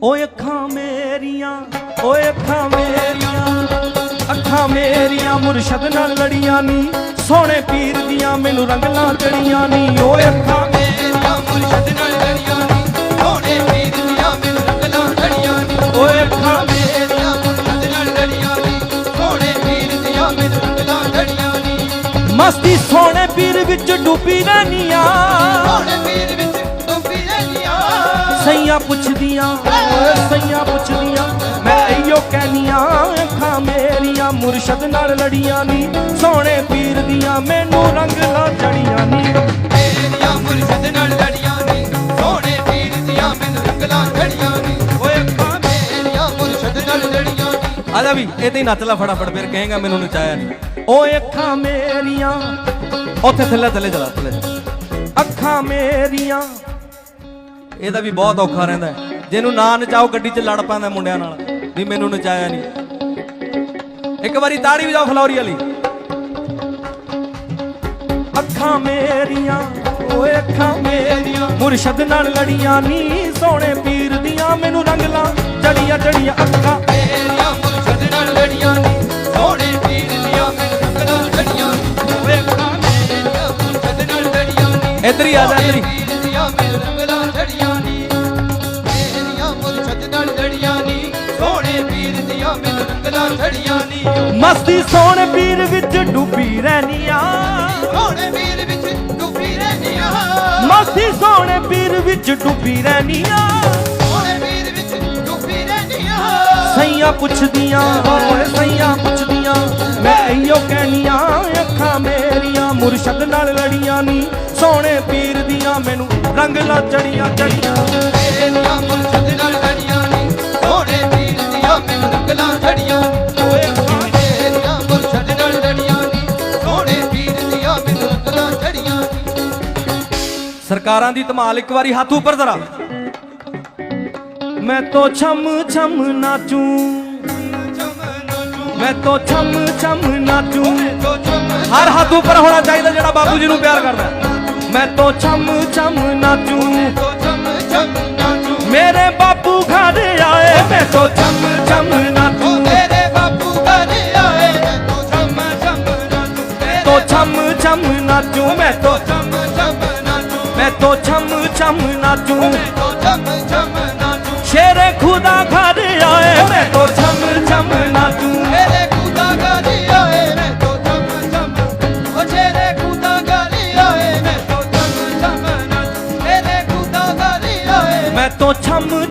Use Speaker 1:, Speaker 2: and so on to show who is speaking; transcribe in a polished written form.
Speaker 1: ਓਏ ਅੱਖਾਂ ਮੇਰੀਆਂ, ਓਏ ਅੱਖਾਂ ਮੇਰੀਆਂ, ਅੱਖਾਂ ਮੇਰੀਆਂ ਮੁਰਸ਼ਦ ਨਾਲ ਲੜੀਆਂ ਨੀ, ਸੋਹਣੇ ਪੀਰ ਦੀਆਂ ਮੈਨੂੰ ਰੰਗਲਾਂ ਚੜੀਆਂ ਨੀ। ਓਏ ਅੱਖਾਂ
Speaker 2: ਮੇਰੀਆਂ ਮੁਰਸ਼ਦ ਨਾਲ ਲੜੀਆਂ ਨੀ, ਸੋਹਣੇ ਪੀਰ ਦੀਆਂ ਮੈਨੂੰ ਰੰਗਲਾਂ ਚੜੀਆਂ ਨੀ।
Speaker 1: ਓਏ ਅੱਖਾਂ
Speaker 2: ਮੇਰੀਆਂ ਮੁਰਸ਼ਦ ਨਾਲ ਲੜੀਆਂ ਨੀ, ਸੋਹਣੇ ਪੀਰ ਦੀਆਂ ਮੈਨੂੰ ਰੰਗਲਾਂ ਚੜੀਆਂ ਨੀ।
Speaker 1: ਮਸਤੀ ਸੋਹਣੇ ਪੀਰ ਵਿੱਚ ਡੁੱਬੀ ਰਹਿਨੀਆਂ,
Speaker 2: ਸੋਹਣੇ ਪੀਰ ਵਿੱਚ ਡੁੱਬੀ ਰਹਿਨੀਆਂ।
Speaker 1: ਸਈਆਂ ਪੁੱਛਦੀਆਂ, ਓਏ ਸਈਆਂ ਪੁੱਛਦੀਆਂ, ਮੈਂ ਇਹੀਓ ਕਹਿਨੀਆਂ ਅੱਖਾਂ ਮੇਰੀਆਂ ਮੁਰਸ਼ਦ ਨਾਲ ਲੜੀਆਂ ਨੀ, ਸੋਹਣੇ ਪੀਰ ਦੀਆਂ ਮੈਨੂੰ ਰੰਗਲਾਂ ਚੜੀਆਂ ਨੀ।
Speaker 2: ਮੇਰੀਆਂ ਮੁਰਸ਼ਦ ਨਾਲ ਲੜੀਆਂ ਨੀ, ਸੋਹਣੇ ਪੀਰ ਦੀਆਂ ਮੈਨੂੰ ਰੰਗਲਾਂ ਚੜੀਆਂ ਨੀ।
Speaker 1: ਓਏ ਅੱਖਾਂ
Speaker 2: ਮੇਰੀਆਂ ਮੁਰਸ਼ਦ ਨਾਲ ਲੜੀਆਂ ਨੀ।
Speaker 1: ਆਜਾ ਵੀ ਇਹ ਤੇ ਨੱਚ ਲੈ ਫਟਾਫਟ, ਫਿਰ ਕਹੇਗਾ ਮੈਨੂੰ ਨਚਾਇਆ ਨਹੀਂ। ਓਏ ਅੱਖਾਂ ਮੇਰੀਆਂ, ਉੱਥੇ ਥੱਲੇ ਥੱਲੇ ਚਲਾ, ਥੱਲੇ ਅੱਖਾਂ ਮੇਰੀਆਂ। ਇਹਦਾ ਵੀ ਬਹੁਤ ਔਖਾ ਰਹਿੰਦਾ ਹੈ, ਜਿਹਨੂੰ ਨਾ ਨਚਾਓ ਗੱਡੀ 'ਚ ਲੜ ਪੈਂਦਾ ਮੁੰਡਿਆਂ ਨਾਲ ਵੀ ਮੈਨੂੰ ਨਚਾਇਆ ਨਹੀਂ। ਇੱਕ ਵਾਰੀ ਤਾੜੀ ਵਜਾਓ ਫਲੌਰੀ ਵਾਲੀ। ਅੱਖਾਂ ਮੇਰੀਆਂ, ਓਏ ਅੱਖਾਂ ਮੇਰੀਆਂ ਮੁਰਸ਼ਦ ਨਾਲ ਲੜੀਆਂ ਨੀ, ਸੋਹਣੇ ਪੀਰ ਦੀਆਂ ਮੈਨੂੰ ਰੰਗਲਾਂ ਚੜੀਆਂ ਚੜੀਆਂ। ਅੱਖਾਂ
Speaker 2: ਮੇਰੀਆਂ ਮੁਰਸ਼ਦ ਨਾਲ ਲੜੀਆਂ ਨੀ, ਸੋਹਣੇ ਪੀਰ ਦੀਆਂ ਮੈਨੂੰ ਰੰਗਲਾਂ ਚੜੀਆਂ ਨੀ। ਓਏ ਅੱਖਾਂ ਮੇਰੀਆਂ ਮੁਰਸ਼ਦ ਨਾਲ ਲੜੀਆਂ ਨੀ,
Speaker 1: ਇੱਧਰ ਹੀ ਆ ਜਾ, ਇੱਧਰ ਹੀ।
Speaker 2: ਪੀਰ ਦੀਆਂ ਮੈਨੂੰ ਰੰਗਲਾਂ ਚੜੀਆਂ ਨੀ। ਮੇਰੀਆਂ ਮੁਰਸ਼ਦ ਨਾਲ ਲੜੀਆਂ ਨੀ, ਸੋਹਣੇ ਪੀਰ ਦੀਆਂ ਮੈਨੂੰ ਰੰਗਲਾਂ ਚੜੀਆਂ ਨੀ।
Speaker 1: ਮਸਤੀ ਸੋਹਣੇ ਪੀਰ ਵਿੱਚ ਡੁੱਬੀ ਰਹਿਨੀਆਂ,
Speaker 2: ਸੋਹਣੇ ਪੀਰ ਵਿੱਚ ਡੁੱਬੀ ਰਹਿਨੀਆਂ।
Speaker 1: ਮਸਤੀ ਸੋਹਣੇ ਪੀਰ ਵਿੱਚ ਡੁੱਬੀ ਰਹਿਨੀਆਂ।
Speaker 2: ਸੋਹਣੇ ਪੀਰ ਵਿੱਚ ਡੁੱਬੀ ਰਹਿਨੀਆਂ।
Speaker 1: ਸਈਆਂ ਪੁੱਛਦੀਆਂ, ਓਏ ਸਈਆਂ ਪੁੱਛਦੀਆਂ, ਮੈਂ ਇਹੀਓ ਕਹਿਨੀਆਂ ਅੱਖਾਂ ਮੇਰੀਆਂ ਮੁਰਸ਼ਦ ਨਾਲ ਲੜੀਆਂ ਨੀ, ਸੋਹਣੇ ਪੀਰ ਦੀਆਂ ਮੈਨੂੰ ਰੰਗਲਾਂ ਚੜੀਆਂ ਚੜੀਆਂ।
Speaker 2: ਮੇਰੀਆਂ ਮੁਰਸ਼ਦ ਨਾਲ ਲੜੀਆਂ ਨੀ, ਸੋਹਣੇ ਪੀਰ ਦੀਆਂ ਮੈਨੂੰ ਰੰਗਲਾਂ ਚੜੀਆਂ ਨੀ।
Speaker 1: ਓਏ ਅੱਖਾਂ
Speaker 2: ਮੇਰੀਆਂ ਮੁਰਸ਼ਦ ਨਾਲ ਲੜੀਆਂ ਨੀ, ਸੋਹਣੇ ਪੀਰ ਦੀਆਂ ਮੈਨੂੰ ਰੰਗਲਾਂ ਚੜੀਆਂ ਨੀ।
Speaker 1: ਸਰਕਾਰਾਂ ਦੀ ਧਮਾਲ, ਇੱਕ ਵਾਰੀ ਹੱਥ ਉੱਪਰ ਜ਼ਰਾ। ਮੈਂ ਤੋ ਛਮ ਛਮ ਨਾਚੂ, ਮੈਂ ਤੋ ਛਮ ਛਮ ਨਾਚੂ। ਹਰ ਹੱਥ ਉੱਪਰ ਹੋਣਾ ਚਾਹੀਦਾ ਜਿਹੜਾ ਬਾਬੂ ਜੀ ਨੂੰ ਪਿਆਰ ਕਰਦਾ। ਮੈਂ ਤੋ ਛਮ ਛਮ ਨਾਚੂ, ਮੇਰੇ ਬਾਪੂ ਘਰ ਆਏ, ਮੈਂ ਤੋ ਛਮ ਛਮ ਨਾਚੂ।
Speaker 2: ਮੇਰੇ ਬਾਪੂ ਘਰ ਆਏ, ਮੈਂ ਤੋ ਛਮ ਛਮ ਨਾਚੂ।
Speaker 1: ਤੋ ਛਮ ਛਮ ਨਾਚੂ, ਮੈਂ ਤੋ
Speaker 2: ਛਮ ਛਮ ਨਾਚੂ।
Speaker 1: ਮੈਂ ਤੋ ਛਮ ਛਮ ਨਾਚੂ।
Speaker 2: ਮੈਂ ਤੋ ਛਮ ਛਮ ਨਾਚੂ।
Speaker 1: ਸ਼ੇਰੇ ਖੁਦਾ ਘਰ ਆਏ, ਮੈਂ ਤੋ ਛਮ ਛਮ ਨਾਚੂ।
Speaker 2: ਮੇਰੇ ਖੁਦਾ ਘਰ ਆਏ, ਮੈਂ ਤੋ ਛਮ ਛਮ। ਓ ਸ਼ੇਰੇ ਖੁਦਾ ਘਰ ਆਏ, ਮੈਂ ਤੋ ਛਮ ਛਮ ਨਾਚੂ। ਮੇਰੇ ਖੁਦਾ ਘਰ ਆਏ,
Speaker 1: ਮੈਂ ਤੋ ਛਮ